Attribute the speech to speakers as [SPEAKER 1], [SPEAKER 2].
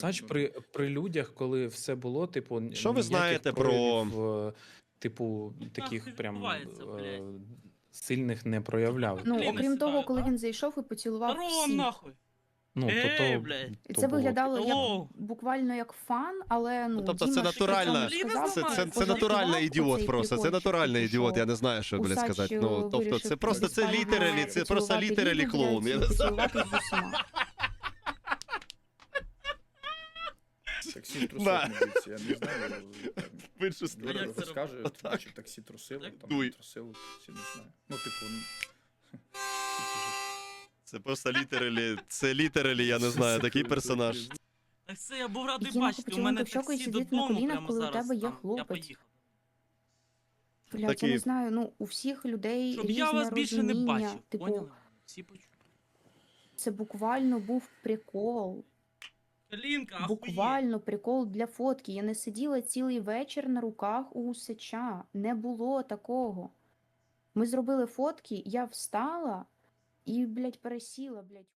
[SPEAKER 1] Знаєш, при людях, коли все було, типу,
[SPEAKER 2] Що ви
[SPEAKER 1] ніяких
[SPEAKER 2] знаєте про...
[SPEAKER 1] проявів, типу, таких
[SPEAKER 3] Нахуй
[SPEAKER 1] прям
[SPEAKER 3] відбувається, блядь?
[SPEAKER 1] сильних не проявляв.
[SPEAKER 4] Ну,
[SPEAKER 3] Блін,
[SPEAKER 4] окрім того,
[SPEAKER 3] сідаю,
[SPEAKER 4] коли
[SPEAKER 3] а?
[SPEAKER 4] він зайшов і поцілував
[SPEAKER 3] Здорово,
[SPEAKER 4] всіх.
[SPEAKER 3] нахуй!
[SPEAKER 1] Ну,
[SPEAKER 3] блядь.
[SPEAKER 4] І
[SPEAKER 1] то
[SPEAKER 4] це
[SPEAKER 1] було.
[SPEAKER 4] виглядало як
[SPEAKER 3] Алло.
[SPEAKER 4] буквально як фан, але ну,
[SPEAKER 2] тобто
[SPEAKER 4] Діма
[SPEAKER 2] це
[SPEAKER 4] ж при
[SPEAKER 2] натуральна-
[SPEAKER 4] цьому сказав,
[SPEAKER 3] це
[SPEAKER 4] пожартував
[SPEAKER 2] натуральний ідіот
[SPEAKER 4] оцей
[SPEAKER 2] просто, це
[SPEAKER 4] прикольчик,
[SPEAKER 2] натуральний
[SPEAKER 4] типу,
[SPEAKER 2] ідіот,
[SPEAKER 4] що
[SPEAKER 2] я не знаю, що, блядь,
[SPEAKER 4] Усач,
[SPEAKER 2] сказати. Ну, тобто,
[SPEAKER 4] вирішив
[SPEAKER 2] це просто, це
[SPEAKER 4] дістати
[SPEAKER 2] літералі,
[SPEAKER 4] мене,
[SPEAKER 2] це просто
[SPEAKER 4] поцілувати
[SPEAKER 2] літералі
[SPEAKER 4] Ліду,
[SPEAKER 2] клоун, я
[SPEAKER 4] блядь,
[SPEAKER 2] не
[SPEAKER 4] і
[SPEAKER 2] знаю.
[SPEAKER 4] поцілуватись з усіма.
[SPEAKER 5] Таксі трусив,
[SPEAKER 2] Да.
[SPEAKER 5] мабуть, я не знаю.
[SPEAKER 2] В іншу сторону.
[SPEAKER 3] як це
[SPEAKER 5] Розкаже,
[SPEAKER 2] Отак.
[SPEAKER 5] чи таксі трусило,
[SPEAKER 3] Так?
[SPEAKER 5] там
[SPEAKER 2] Дуй.
[SPEAKER 5] не трусило, всі не знаю. Ну, типу,
[SPEAKER 2] Це просто літералі, це літералі, я не знаю, такий персонаж.
[SPEAKER 3] Так це я був радий
[SPEAKER 4] Діма,
[SPEAKER 3] бачити, у
[SPEAKER 4] поцілунок
[SPEAKER 3] мене
[SPEAKER 4] в щоку і
[SPEAKER 3] таксі
[SPEAKER 4] сидіти на
[SPEAKER 3] додому
[SPEAKER 4] колінах,
[SPEAKER 3] прямо
[SPEAKER 4] коли у
[SPEAKER 3] зараз
[SPEAKER 4] тебе є
[SPEAKER 3] там. Я
[SPEAKER 4] хлопець.
[SPEAKER 3] поїхав.
[SPEAKER 4] Блядь,
[SPEAKER 2] Такі-
[SPEAKER 4] я не знаю, ну, у всіх людей
[SPEAKER 3] Щоб
[SPEAKER 4] різне
[SPEAKER 3] я вас більше не
[SPEAKER 4] розуміння.
[SPEAKER 3] бачив,
[SPEAKER 4] Типу,
[SPEAKER 3] поняли? Всі почули.
[SPEAKER 4] це буквально був прикол.
[SPEAKER 3] Калінка, ахуєть.
[SPEAKER 4] Буквально прикол для фотки. Я не сиділа цілий вечір на руках у Усача. Не було такого. Ми зробили фотки, я встала і, блядь, пересіла, блядь.